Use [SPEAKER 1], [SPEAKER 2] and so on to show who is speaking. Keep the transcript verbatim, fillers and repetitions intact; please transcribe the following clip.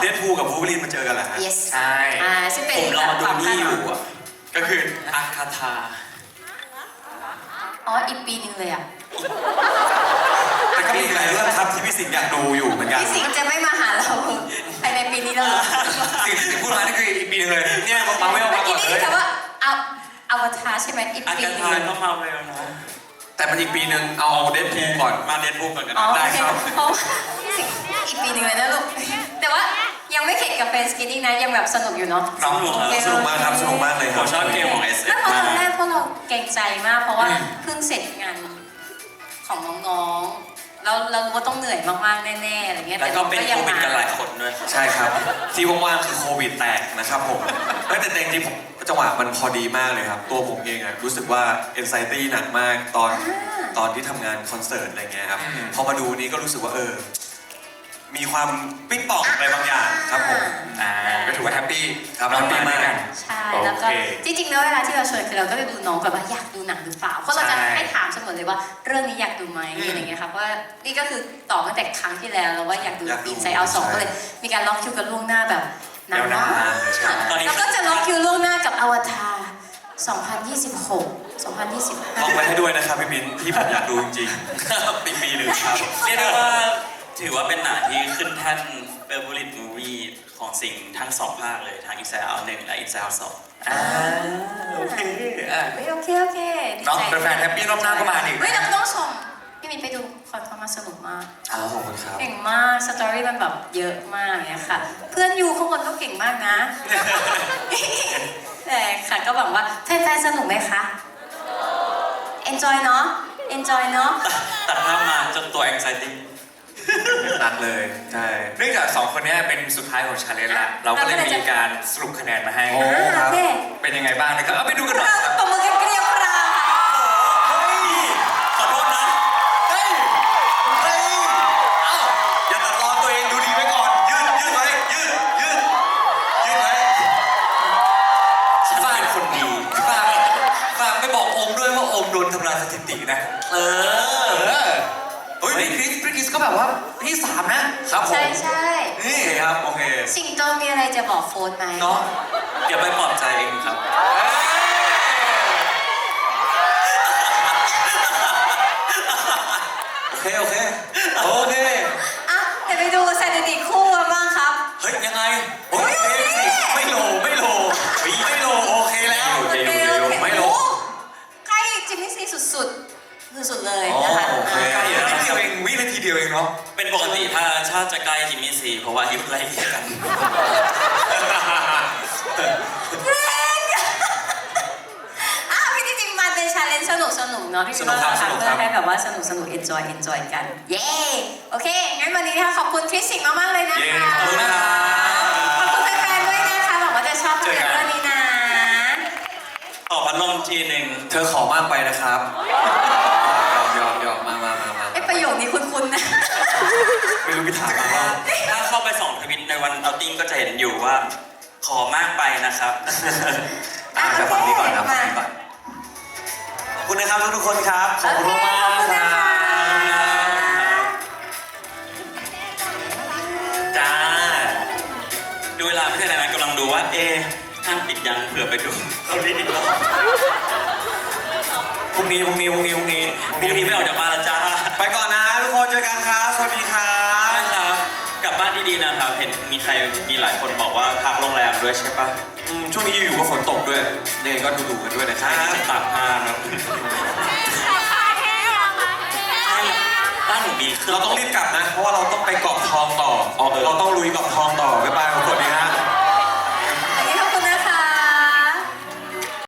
[SPEAKER 1] ดพูลกับวูล์ฟเวอรีนมาเจอกันแหละ
[SPEAKER 2] yes
[SPEAKER 3] ใช่
[SPEAKER 2] อ่าซึ่งเป็น
[SPEAKER 3] ผมรอดูนี่อยู่อ่ะ
[SPEAKER 1] ก็คือ
[SPEAKER 3] อาคาธา
[SPEAKER 2] อ๋ออีกปีหนึงเลยอ่ะ
[SPEAKER 1] แต่ก็มีอีกหลายเรื่องครับที่พี่สิงห์อยากดูอยู่เหมือนกัน
[SPEAKER 2] พี่สิงห์จะไม่มาหาเราภายในปีนี้แล้วเหรอ
[SPEAKER 3] สิ่งที่พูดมานี่คืออีกปีนึงเลยเนี่ยมาไม่เอา
[SPEAKER 2] เมื่
[SPEAKER 3] มา
[SPEAKER 2] อ
[SPEAKER 3] ก่
[SPEAKER 2] กี้
[SPEAKER 3] อน
[SPEAKER 2] นี่
[SPEAKER 3] เลย
[SPEAKER 2] แต่ว่าเอาอวตารใช่ไหมอีก
[SPEAKER 3] อา
[SPEAKER 2] ปี
[SPEAKER 3] คา
[SPEAKER 2] หนึ
[SPEAKER 3] ธาง ก็มาเร็วนะ
[SPEAKER 1] แต่มันอีกปีหนึ่งเอาเดดพูลก่อนมาเดดพูลก่อนกัน
[SPEAKER 2] อ๋อ
[SPEAKER 1] ได้
[SPEAKER 2] โอเค
[SPEAKER 1] ครับ
[SPEAKER 2] เพราะว่าพี่สิงห์อีกปีหนึงเลยนะลูกแต่ว่ายังไม่เข็ดกับเฟนสกินนิ่งนะยังแบบสนุกอยู่เนาะ
[SPEAKER 1] น้องสนุกมากครับสนุกมากเลยค
[SPEAKER 3] ผ
[SPEAKER 1] รับ
[SPEAKER 3] มชอบเกมของ เอส เอส
[SPEAKER 2] ไม่เพราะ
[SPEAKER 3] มา
[SPEAKER 2] ตอนแร
[SPEAKER 3] ก
[SPEAKER 2] กพวกเราเกรงใจมากเพราะว่าเพิ่งเสร็จงานของน้องๆแล้วเรารู้ว่าต้องเหนื่อยมากๆแน่ๆอะไรเงี้ย
[SPEAKER 3] แล้วก็เป็น
[SPEAKER 2] ยั
[SPEAKER 3] โควิด
[SPEAKER 2] มา
[SPEAKER 3] กันหลายคนด้วย
[SPEAKER 1] ใช่ครับที่ว่างๆคือโควิดแตกนะครับผมเอ้ยแต่จริงๆผมจังหวะมันพอดีมากเลยครับตัวผมเองอะรู้สึกว่า anxiety หนักมากตอนตอนที่ทำงานคอนเสิร์ตอะไรเงี้ยครับพอมาดูนี้ก็รู้สึกว่าเออมีความปิ๊งปองอะไรบางอย่างครับผม
[SPEAKER 3] อ่าก็ถือว่าแฮปปี้
[SPEAKER 1] ครับ
[SPEAKER 3] น้อง
[SPEAKER 1] แฮปปี้
[SPEAKER 3] มา
[SPEAKER 1] มา
[SPEAKER 3] ด้วย
[SPEAKER 1] ก
[SPEAKER 3] กัน
[SPEAKER 2] ใช่แล้วก็
[SPEAKER 3] โอเค
[SPEAKER 2] จริงๆแล้วเวลาที่เราชวนคือเราก็จะดูน้องแบบว่าอยากดูหนังหรือเปล่าเพราะเราจะ
[SPEAKER 3] ใช่
[SPEAKER 2] ให้ถามเสมอเลยว่าเรื่องนี้อยากดูไหมอะไรเงี้ยค่ะเพราะว่านี่ก็คือตอบตั้งแต่ครั้งที่แล้วแล้วว่าอยากดู
[SPEAKER 1] อยากดู
[SPEAKER 2] อินไซด์เอาสอง
[SPEAKER 1] ใช่
[SPEAKER 2] ก็เลยมีการล็อกคิวกันล่วงหน้าแบบนาน
[SPEAKER 3] ยาวนาม
[SPEAKER 2] าก
[SPEAKER 3] นใช่
[SPEAKER 2] แล้วก็จะล็อกคิวล่วงหน้ากับอวตารสองพันยี่สิบหก สองพันยี่สิบห้า
[SPEAKER 1] ลองไปให้ด้วยนะครับพี่มิ้นที่ผมอยากดูจริงๆปีปีหนึ่งครับ
[SPEAKER 4] เรียกได้ว่าถือว่าเป็นหนังที่ขึ้นแท่นเบเวอร์ลินมูวี่ของสิ่งทั้งสองภาคเลยทั้งอินไซด์เอาหนึ่งและอินไซด์เอาสอง
[SPEAKER 3] อ่าโอเคอ่ะ
[SPEAKER 2] เฮ้ยโอเคโอเคดี
[SPEAKER 3] น้อง
[SPEAKER 2] ใจ
[SPEAKER 3] เป็นแฟนแฮปปี้รอบหน้าก็มาอีก
[SPEAKER 2] เฮ้ยเราต้องชมพี่มินไปดูคอนเฟิร์มมาสนุกมาก
[SPEAKER 1] อ๋อขอบคุณครับ
[SPEAKER 2] เก่งมาก สตอรี่มันแบบเยอะมากเนี่ยค่ะ เพื่อนอยู่ข้างบนก็เก่งมากนะ แต่ค่ะก็หวังว่าแฟนๆสนุกไหมคะ enjoy เนาะ enjoy เนาะ
[SPEAKER 4] ตัดภาพมาจนตัวแองไซตี้
[SPEAKER 1] หนักเลยใช่
[SPEAKER 3] เนื่องจากสองคนเนี้เป็นสุดท้ายของชาเลนจ์ละเราก็เลยมีการสรุปคะแนนมาให้
[SPEAKER 1] โอ้ครับ
[SPEAKER 2] โอเค
[SPEAKER 3] เป็นยังไงบ้างนะครับเอาไปดูกันหน่อย
[SPEAKER 2] เรา
[SPEAKER 3] ครับ
[SPEAKER 2] ตบมือกันเกลียวกราวค่ะ
[SPEAKER 1] เฮ้ยขอโทษนะเฮ้ยเฮ้ยเอ้าอย่าตัดรอนตัวเองดูดีไว้ก่อนยืดยืดไว้ยืดยืดยืดไว้
[SPEAKER 3] ฉันเป็นคนดีฝากฝากไปบอกโอมด้วยว่าโอมโดนทำลายสถิตินะ
[SPEAKER 1] เอ
[SPEAKER 3] เอ
[SPEAKER 1] อ
[SPEAKER 3] อเฮ้ยพี่คริสพี่คริสก็แบบว่าที่สามนะครับผม
[SPEAKER 2] ใช่ใช่
[SPEAKER 3] นี่
[SPEAKER 1] โอเคครับโอเค
[SPEAKER 2] สิงโตมีอะไรจะบอกโฟนไหม
[SPEAKER 3] เนาะ
[SPEAKER 4] เดี๋ยวไปปลอบใจเองครับ
[SPEAKER 1] โอเคโอเคโอเค
[SPEAKER 2] อ่ะเดี๋ยวไปดูสถิติคู่กันบ้างครับ
[SPEAKER 1] เฮ้ยยังไงโอ้ยเฮ้ยไม่โลไม่โลไม่โลโอเคแล้ว
[SPEAKER 2] โอเคโอเค
[SPEAKER 1] ไม่โล
[SPEAKER 2] โอ้ใกล้จิมมี่ซีสุดๆสุดๆเลย
[SPEAKER 1] อ๋อ
[SPEAKER 2] นะคะ
[SPEAKER 1] โอเค
[SPEAKER 2] อ่า
[SPEAKER 3] นิดเดียวเองวินาทีเดียวเองเนาะ
[SPEAKER 4] เป็นปกติถ้าชาติจะใกล้จิมมี่ซีเพราะว่าอายุไล่เลี่ยกัน
[SPEAKER 2] อ่ะพี่จริงๆมันเป็นชาเลนจ์สนุกสนุกๆเนาะพี่
[SPEAKER 1] สนุกครับ
[SPEAKER 2] ว่า
[SPEAKER 1] สนุก
[SPEAKER 2] เพื่
[SPEAKER 1] ครั
[SPEAKER 2] อบ ให้แบบว่าสนุกสนุก enjoy enjoy กัน เย้ โอเค งั้นวันนี้ค่ะขอบคุณคริสสิงห์มากๆเลยนะคะ
[SPEAKER 1] เย้ขอบคุณนะครับ
[SPEAKER 2] ขอบคุณแฟนๆด้วยนะคะหวังว่าจะชอบภาพยนตร์เรื่องนี้นะ
[SPEAKER 4] ขอพัดลมทีหนึ่ง
[SPEAKER 1] เธอขอมากไปนะครับยอมยอมยอมมามามามา
[SPEAKER 2] ไอ้ประโยคนี้คุ้นๆนะ
[SPEAKER 1] ไม่รู้พิถามมาว่า
[SPEAKER 4] ถ้าเข้าไปส่องทวิตในวันเอาติ้งก็จะเห็นอยู่ว่า ขอมากไปนะครับ
[SPEAKER 1] อ่าจะฝั่งนี้ก่อนนะฝั่งนี้ก่อนขอบคุณนะครับทุกๆคนครับขอบคุณมาก
[SPEAKER 2] โอเคขอบคุณ
[SPEAKER 1] ๆค
[SPEAKER 2] นะ
[SPEAKER 1] รับ
[SPEAKER 2] คะ
[SPEAKER 4] จ้า ดูเวลาไม่ใช่อะไรนะกำลังดูว่า เอ๊ะห้างปิดยังเผื่อไปดูเอาดีดีกว่า
[SPEAKER 1] พรุ่งนี้พรุ่งนี้พรุ่งนี้พรุ่งนี้
[SPEAKER 4] พรุ่งนี้ไม่ออกจากบ้านแล้วจ้า
[SPEAKER 1] ไปก่อนนะทุกคนเจอกันครับสวัสดีครับ
[SPEAKER 4] นะครับกลับบ้านดีๆนะครับ เห็นมีใครมีหลายคนบอกว่าพักโรงแรมด้วยใช่ปะ
[SPEAKER 1] อืมช่วงนี้อยู่ๆก็ฝนตกด้วยยังไงก็ดูๆกันด้วยนะค
[SPEAKER 4] ใช่
[SPEAKER 1] รับ
[SPEAKER 4] จะตากผ้าเนอะบ้านหนูมีเครื่อ
[SPEAKER 1] เรา
[SPEAKER 4] ง
[SPEAKER 1] ต้องรีบกลับนะ เพราะว่าเราต้องไปเกาะทองต่อเราต้องลุยเกาะทองต่อ